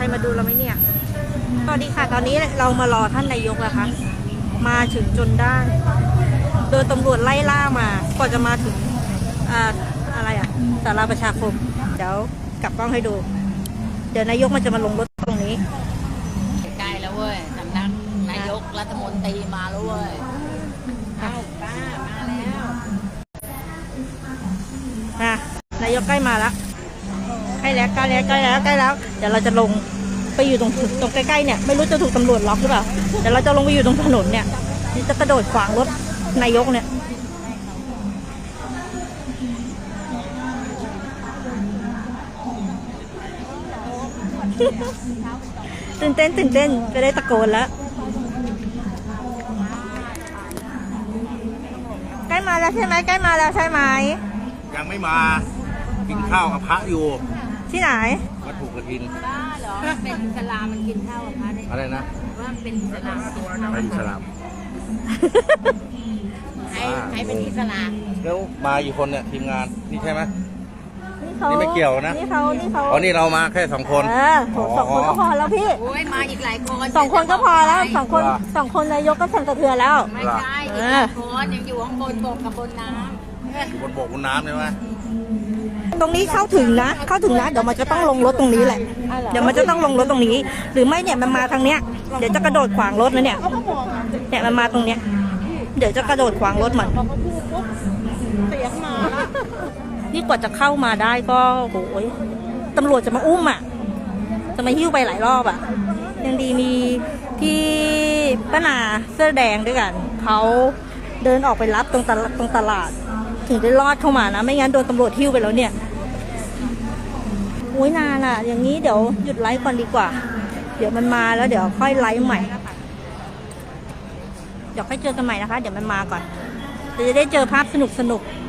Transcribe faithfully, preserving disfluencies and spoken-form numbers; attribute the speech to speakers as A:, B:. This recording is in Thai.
A: รมาดูเราไหมเนี่ยสวัสดีค่ะตอนนี้เรามารอท่านนายกนะคะมาถึงจนได้โดนตำรวจไล่ล่ามากว่าจะมาถึงอ่าอะไรอ่ะศาลาประชาคมเดี๋ยวกลับกล้องให้ดู เดี๋ยวนายกมันจะมาลงรถตรงนี้
B: ใกล้แล้วเว้ยสำนักนายกรัฐมนตรีมาแล้วเว้ยเอ้าป้ามาแล้ว
A: นะนายกใกล้มาแล้วใกล้แล้วใกล้แล้วใกล้แล้วใกล้แล้วเดี๋ยวเราจะลงไปอยู่ตรงตรงใกล้ๆเนี่ยไม่รู้จะถูกตำรวจล็อกหรือเปล่าเดี๋ยวเราจะลงไปอยู่ตรงถนนเนี่ยนี่จะกระโดดขวางรถนายกเนี่ยตื่นเต้นตื่นเต้นจะได้ตะโกนแล้วใกล้มาแล้วใช่ไหมใกล้มาแล้วใช่ไหม
C: ยังไม่มากินข้าวกับพระอยู่
A: ที่ไหน
C: วัดถูกกระถิน
B: บ้าเหรอเป็นอิสลามมันกินข้าวกับพระได้
C: อะไรนะ
B: ว่าเป็นอิสลามกินข้าว
C: ไปอิสลาม
B: ให้ให้เป็นอิสลาม
C: แล้วมากี่คนเนี่ยทีมงานนี่ใช่ไหม
A: นี่
C: ไม่เกี่ยวนะ
A: นี่เขานี่เขา
C: อ๋อนี่เรามาแค่สองคน
A: เออสองคนก็พอแล้วพี่
B: โอ้ยมาอีกหลายคน
A: สองคนก็พอแล้วสองคนสองคนนายกก็สั่นสะเทือนแล้ว
B: ไม่ใช่อีกหลายคนยังอยู่ข้างบนบกกับบนน้ำ
C: อยู่บนบกบนน้ำใช่ไหม
A: ตรงนี้เข้าถึงนะเข้าถึงนะเดี๋ยวมันจะต้องลงรถตรงนี้แหละเดี๋ยวมันจะต้องลงรถตรงนี้หรือไม่เนี่ยมันมาทางเนี้ยเดี๋ยวจะกระโดดขวางรถนะเนี่ยเนี่ยมันมาตรงเนี้ยเดี๋ยวจะกระโดดขวางรถมันเสียงมานี่กว่าจะเข้ามาได้ก็โอ้ยตำรวจจะมาอุ้มอ่ะจะมาหิ้วไปหลายรอบอ่ะยังดีมีพี่ป้านาเสื้อแดงด้วยกันเขาเดินออกไปรับตรงตลาดตรงตลาดถึงได้รอดเข้ามานะไม่งั้นโดนตำรวจหิ้วไปแล้วเนี่ยโอ้ยนานอ่ะอย่างนี้เดี๋ยวหยุดไลฟ์ก่อนดีกว่าเดี๋ยวมันมาแล้วเดี๋ยวค่อยไลฟ์ใหม่เดี๋ยวค่อยเจอกันใหม่นะคะเดี๋ยวมันมาก่อนจะได้เจอภาพสนุกสนุก